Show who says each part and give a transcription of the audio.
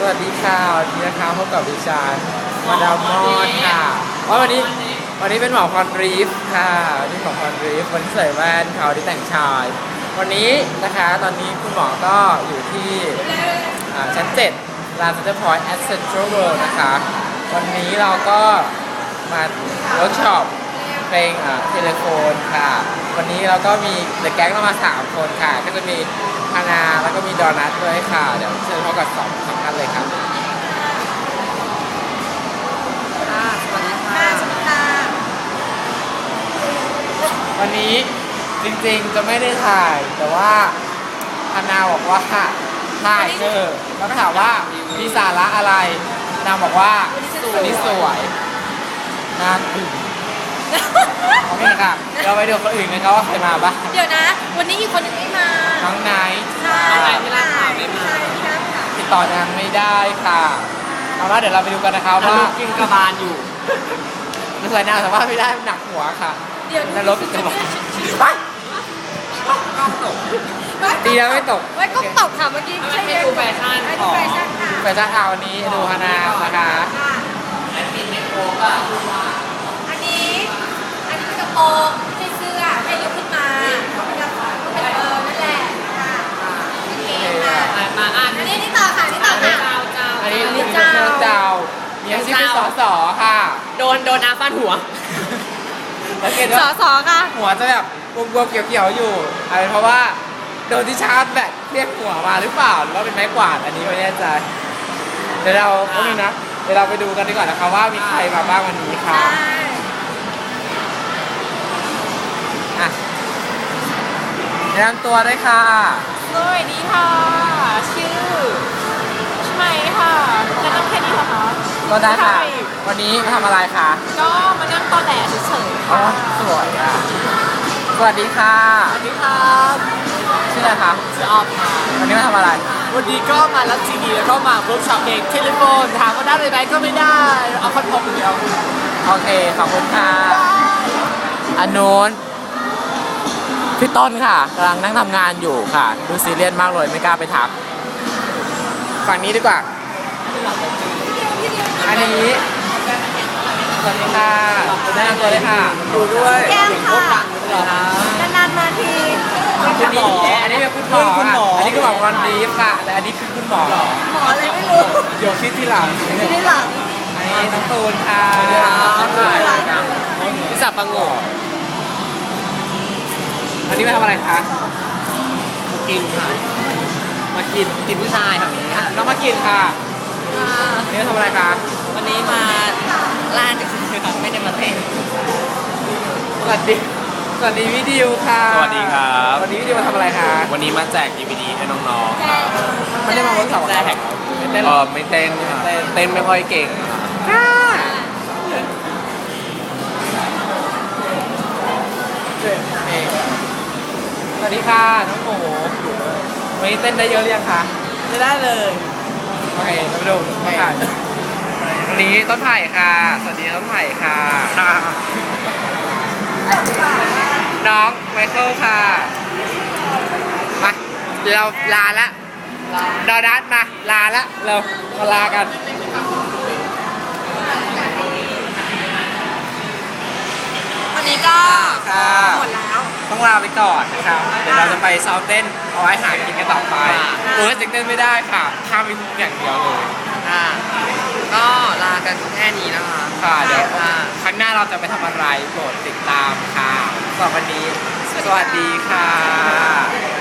Speaker 1: วัสดีค่ะวันนี้นะคะพบกับดิฉันมาดามมอนค่ะวันนี้เป็นหมอพรรีฟค่ะวันนี้หมอพรรีฟวันนี้ใส่แว่นเขาที่แต่งชายวันนี้นะคะตอนนี้คุณหมอก็อยู่ที่ชั้น7 ลานเซ็นเตอร์พอยต์แอสเซนทรัลเวิลด์นะคะวันนี้เราก็มาเวิร์กช็อปเพลงเทเลโฟนค่ะวันนี้เราก็มีเดอะแก๊งเรามา3 คนค่ะก็จะมีฮานาแล้วก็มีดอนัทด้วยค่ะเดี๋ยวเชิญพบกับ2 ท่านเลยครับ
Speaker 2: สวัสดีค่ะสวัสดีค่ะ
Speaker 1: วันนี้จริงๆจะไม่ได้ถ่ายแต่ว่าฮานาบอกว่าถ่ายแล้วก็ถามว่ามีสาระอะไรนางบอกว่าวันนี้สวยน่าตื่นโอเคค่ะเราไปดูคนอื่นกันครับว่าใครมาบ้าง
Speaker 2: เดี๋ยวนะวันนี้อีกคนนึงไม่มา
Speaker 1: น้องไนท์
Speaker 2: น้องไนท์ที่ร้านข่าวไม่มา
Speaker 1: ติดต่อนางไม่ได้ค่ะเอาละเดี๋ยวเราไปดูกันนะครับว่า
Speaker 2: กินกระบาลอยู่
Speaker 1: ไม่เคยนางแต่ว่าไม่ได้หนักหัวค่ะ
Speaker 2: เดี๋ยวน
Speaker 1: รกกระบาลไปกล้องตกดีแล้วไม่ตก
Speaker 2: ไว้ก็ตกค่ะเมื่อกี้ให้ดูแฟชั่นค่ะแฟ
Speaker 1: ชั่นวันนี้ดูฮานานะคะอันนี้โค้ก
Speaker 2: อันนี้เป็นกระโปรงไม่ใช่เสื้อให้ยกขึ้นมาเป็นนั่นแหละค่ะโอเคค่ะมาอันนี้ต่อค่ะ
Speaker 1: อันนี้เจ้ามีอาชีพเป็นส.ค่ะ
Speaker 2: โดนอาฟันหัวส.ค่ะ
Speaker 1: หัวจะแบบบวมๆเขียวๆอยู่อะไรเพราะว่าโดนที่ชาร์จแบตเรียกหัวมาหรือเปล่าหรือว่าเป็นไม้กวาดอันนี้ไม่แน่ใจเดี๋ยวเราไปดูกันดีกว่านะคะว่ามีใครมาบ้างวันนี้ค่ะแนะนำตัวได้ค่ะ
Speaker 2: สวัสดีค่ะชื่อใช่ค่ะจะนั่งแค่นี้เหรอคะ
Speaker 1: ก็ได้ค่ะวันนี้มาทำอะไรคะ
Speaker 2: ก็มานั่งตอแหลเฉยๆค่ะ
Speaker 1: สวยอ่ะสวัสดีค่ะ
Speaker 2: สวัสดีครับ
Speaker 1: ชื่ออะไรคะ
Speaker 2: ชื่อออฟค่ะ
Speaker 1: วันนี้มาทำอะไร
Speaker 2: วันนี้ก็มารับทีวีแล้วก็มาเวิร์กช็อปเพลงเทเลโฟนถามว่าได้ไหมก็ไม่ได้เอาคอนโทรลเดียว
Speaker 1: โอเคขอบคุณค่ะอันนู้นพี่ต้นค่ะกำลังนั่งทำงานอยู่ค่ะดูซีเรียสมากเลยไม่กล้าไปทักฝั่งนี้ดีกว่าอันนี้สวัสดีค่ะแนะนำตัวเลยค่ะดูด้วย
Speaker 2: แก้มค่ะนานๆมาที
Speaker 1: อันนี้เป็นคุณหมออันนี้คือหมอวันดีค่ะแต่อันนี้คือคุณหมอ
Speaker 2: อะไรไม่รู้
Speaker 1: เดี๋ยวคิดที่หลัง
Speaker 2: อันนี้
Speaker 1: น้องตูนค่ะพิศาปังโง่อันนี้มาทำอะไรคะ
Speaker 2: กินค่ะ
Speaker 1: มากิน
Speaker 2: ผู้ชายค่ะ
Speaker 1: น้องมากินค่ะนี่มาทำอะไรคะ
Speaker 2: วันนี้มาล่าจากคือค่ะไม่ได้มาเต้น
Speaker 1: สวัสดีวิดีโอค่ะ
Speaker 3: สวัสดีครับ
Speaker 1: วันนี้วิดีโอมาทำอะไรคะ
Speaker 3: วันนี้มาแจก DVD ให้น้องๆครับ
Speaker 1: ไม่ได้มาเวิร์กช็อป
Speaker 3: แจกไม่เต้นเต้นไม่ค่อยเก่ง
Speaker 1: สวัสดีค่ะน้องหมูวันนี้เต้นได้เยอะหรือยังคะ
Speaker 2: ไม่ได้เลย
Speaker 1: โอเคเราไปดูค่ะวันนี้ต้นไผ่ค่ะสวัสดีต้นไผ่ค่ะน้องไมเคิลค่ะมาเดี๋ยวเราลาละดอนัทมาลาละเรามาลากัน
Speaker 2: วันนี้ก็หมดแล้ว
Speaker 1: ต้องลาไปก่อนนะครับเดี๋ยวเราจะไปซ้อมเต้นเอาไว้หากินกันต่อไปโอ้ยเต้นไม่ได้ค่ะข้ามไปอย่างเดียวเลย
Speaker 2: ก็ลากันแค่นี้นะคะ
Speaker 1: ค่ะเดี๋ยวครั้งหน้าเราจะไปทำอะไรโปรดติดตามค่ะสำหรับวันนี้สวัสดีค่ะ